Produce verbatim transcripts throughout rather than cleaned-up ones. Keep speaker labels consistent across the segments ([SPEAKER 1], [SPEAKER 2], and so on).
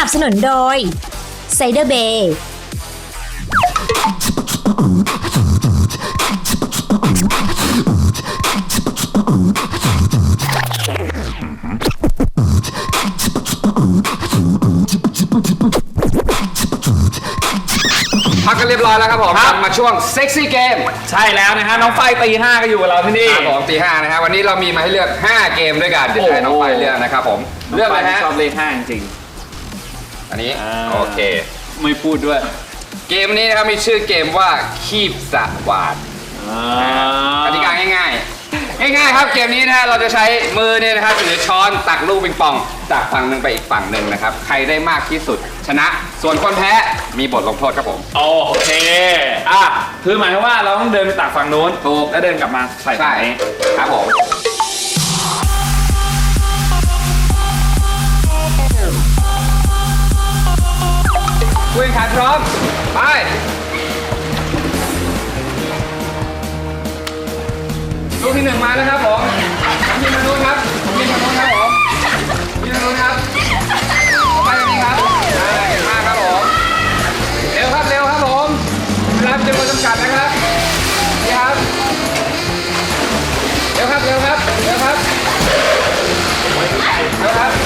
[SPEAKER 1] นับสนุนโดยไซเดอร์เบย์
[SPEAKER 2] พักกันเรียบร้อยแล้วครับผมกลับมาช่วงเซ็กซี่เกม
[SPEAKER 3] ใช่แล้วนะฮะน้องไฟตีห้าก็อยู่กับเราที่นี่
[SPEAKER 2] ครับผมตีห้านะฮะวันนี้เรามีมาให้เลือกห้าเกมด้วยกันเดี๋ยวให้น้องไฟเลือกนะครับผมเลือกอะไรฮะ
[SPEAKER 3] ชอบเลขห้าจริง
[SPEAKER 2] อันนี้โอเค
[SPEAKER 3] ไม่พูดด้วย
[SPEAKER 2] เกมนี้นะครับมีชื่อเกมว่าคีบสวาดกติกาง่ายๆง่ายๆครับเกมนี้นะฮะเราจะใช้มือเนี่ยนะครับถือช้อนตักลูกปิงปองจากฝั่งหนึ่งไปอีกฝั่งหนึ่งนะครับใครได้มากที่สุดชนะส่วนคนแพ้มีบทลงโทษครับผม
[SPEAKER 3] โอเคอ่ะคือหมายว่าเราต้องเดินไปตักฝั่งนู้นถูกแล้วเดินกลับมาใส่ฝั่งนี้
[SPEAKER 2] ครับผมคุยขันพร้อมไปลูกที่หนึ่งมาแล้วครับผมผมยิงทางนู้นครับผมยิงทางนู้นครับผมยิงทางนู้นครับไปทางนี้ครับได้มากครับผมเร็วครับเร็วครับผมเวลาจำนวนจำกัดนะครับนี่ครับเร็วครับเร็วครับเร็วครับเร็วครับ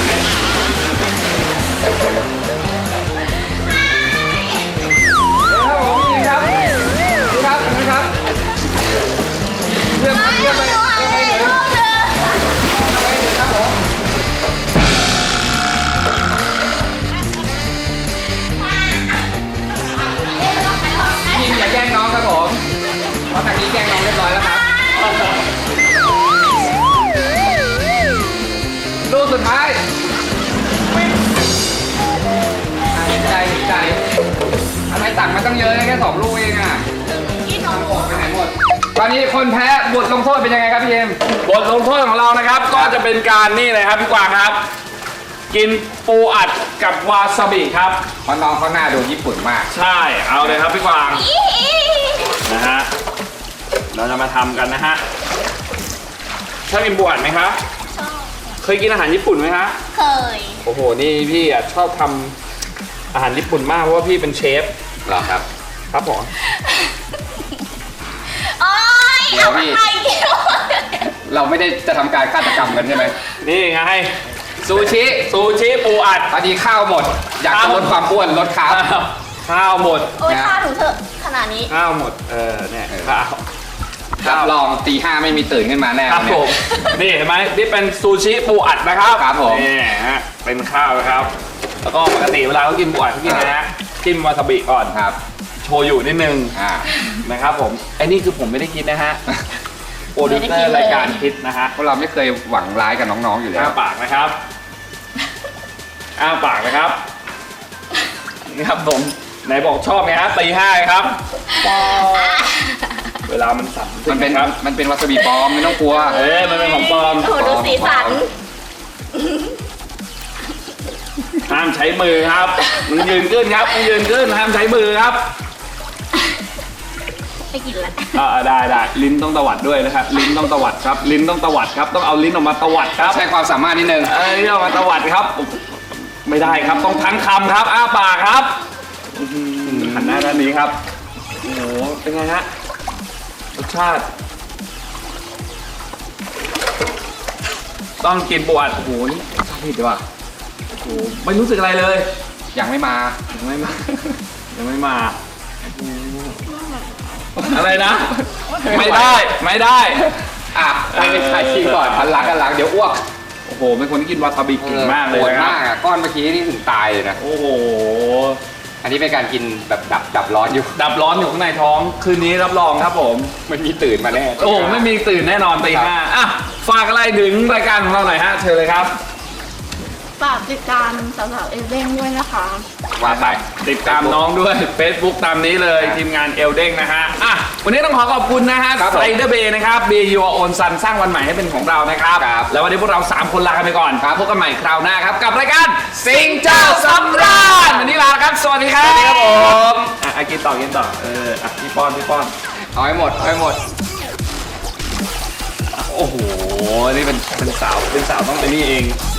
[SPEAKER 2] อย่าแกล้งน้องครับผมเพราะทางนี้แกล้งน้องเรียบร้อยแล้วครับลูกสุดท้ายใจใจทำไมตักมันต้องเยอะแค่สองลูกเองอ่ะที่น้องหมดไปไหนหมดตอนนี้คนแพ้บทลงโทษเป็นยังไงครับพี่เอ็ม
[SPEAKER 3] บทลงโทษของเรานะครับก็จะเป็นการนี่เลยครับพี่กวางครับกินปูอัดกับวาซาบิครับ
[SPEAKER 2] เพราะน้องเขาหน้าดูญี่ปุ่นมาก
[SPEAKER 3] ใช่เอาเลยครับพี่กวางนะฮะเราจะมาทำกันนะฮะชอบกินปูอัดไหมครับชอบเคยกินอาหารญี่ปุ่นไหมคะ
[SPEAKER 4] เคย
[SPEAKER 3] โอ้โหนี่พี่อ่ะชอบทำอาหารญี่ปุ่นมากเพราะว่าพี่เป็นเชฟ
[SPEAKER 2] เหรอครับ
[SPEAKER 3] ครับผม
[SPEAKER 4] โอ๊ยเอาไป
[SPEAKER 2] เราไม่ได้จะทำการฆาตกรรมกันใช่ไหม
[SPEAKER 3] นี่ไง
[SPEAKER 2] ซูชิ
[SPEAKER 3] ซูชิปูอัด
[SPEAKER 2] พอดีข้าวหมดอยากจะลดความอ้วนลดข้าว
[SPEAKER 3] ข้าวหมด
[SPEAKER 4] โอ้ยข้าวถึงเถอะขนาดนี้
[SPEAKER 3] ข้าวหมดเออเนี่ยข้าว
[SPEAKER 2] รับรองตีห้าไม่มีตื่นขึ้นมาแน่
[SPEAKER 3] ครับผมนี่เห็นไหมนี่เป็นซูชิปูอัดนะครับ
[SPEAKER 2] ครับผม
[SPEAKER 3] นี่ฮะเป็นข้าวนะครับแล้วก็ปกติเวลาเขากินปูอัดเขากินนะฮะจิ้มวาซาบิก่อน
[SPEAKER 2] ครับ
[SPEAKER 3] โชยุนิดนึงนะครับผมไอ้นี่คือผมไม่ได้คิดนะฮะโปรดิวเซอร์รายการคิดนะฮะ
[SPEAKER 2] เพราะเราไม่เคยหวังร้ายกับน้องๆอยู่แล้ว
[SPEAKER 3] อ้าปากนะครับอ้าปากนะครับนี่ครับผมไหนบอกชอบไงฮะตีห้าครับเวลามันสั่น
[SPEAKER 2] มันเป็นมันเป็นวาซาบิปลอมไม่ต้องกลัว
[SPEAKER 3] เอ้ยมันเป็นของปลอม
[SPEAKER 4] โอ้ดูสีสัน
[SPEAKER 3] ห้ามใช้มือครับมึงยืนขึ้นครับมึงยืนขึ้นห้ามใช้มือครับ
[SPEAKER 4] ไม่กินละ
[SPEAKER 3] อ่าได้ได้ลิ้นต้องตวัดด้วยนะครับลิ้นต้องตวัดครับลิ้นต้องตวัดครับต้องเอาลิ้นออกมาตวัดครับ
[SPEAKER 2] ใช้ความสามารถนิดนึง
[SPEAKER 3] เอ้ยเอามาตวัดครับไม่ได้ครับต้องทั้งคำครับอ้าปากครับหันหน้าด้านนี้ครับโอ้โหเป็นไงฮะรสชาติต้องกินบวชโอ้โหนี่ชาติดีว่ะโอ้โหไม่รู้สึกอะไรเลย
[SPEAKER 2] ยังไม่มา
[SPEAKER 3] ยังไม่มายังไม่มาอะไรนะไม่ได้ไม่ได้
[SPEAKER 2] อ่ะให้ไปถ่ายทีก่อนหันหลังกันหลังเดี๋ยวอ้วก
[SPEAKER 3] โอ้โหเป็นคนที่กินวาซาบิเก่งมากเลย
[SPEAKER 2] นะก้อนเมื่อกี้นี่ถึงตายเลยนะ
[SPEAKER 3] โอ้โห
[SPEAKER 2] อันนี้เป็นการกินแบบดับดับร้อนอยู่
[SPEAKER 3] ดับร้อนอยู่ข้างในท้องคืนนี้รับรองครับผม
[SPEAKER 2] ไม่มีตื่นมาแน่
[SPEAKER 3] โอ้ไม่มีตื่นแน่นอนตีห้าอ่ะฝากอะไรถึงรายการของเราหน่อยฮะเชิญเลยครับ
[SPEAKER 4] ฝากติดตามสาวๆเอลเด้งด้วยนะคะ
[SPEAKER 2] ว่าไป
[SPEAKER 3] ติดตามน้องด้วย Facebook ตามนี้เลยทีมงานเอลเด้งนะฮะอ่ะวันนี้ต้องขอขอบคุณนะฮะไซเดอร์เบย์นะครับ Be Your Own Sun สร้างวันใหม่ให้เป็นของเรานะครับแล้ววันนี้พวกเราสามคนลากันไปก่อนพบกันใหม่คราวหน้าครับกับรายการสิงเจ้าสำราญวันนี้ลาครับสวัสดีครับสวัสดีครับผมอ่ะกินต่อกินต่อเอออ่ะพี่ป้อนพี่ป้อน
[SPEAKER 2] เอาให้หมดเอาให้หมด
[SPEAKER 3] โอ้โหนี่เป็นเป็นสาวเป็นสาวต้องเป็นนี่เอง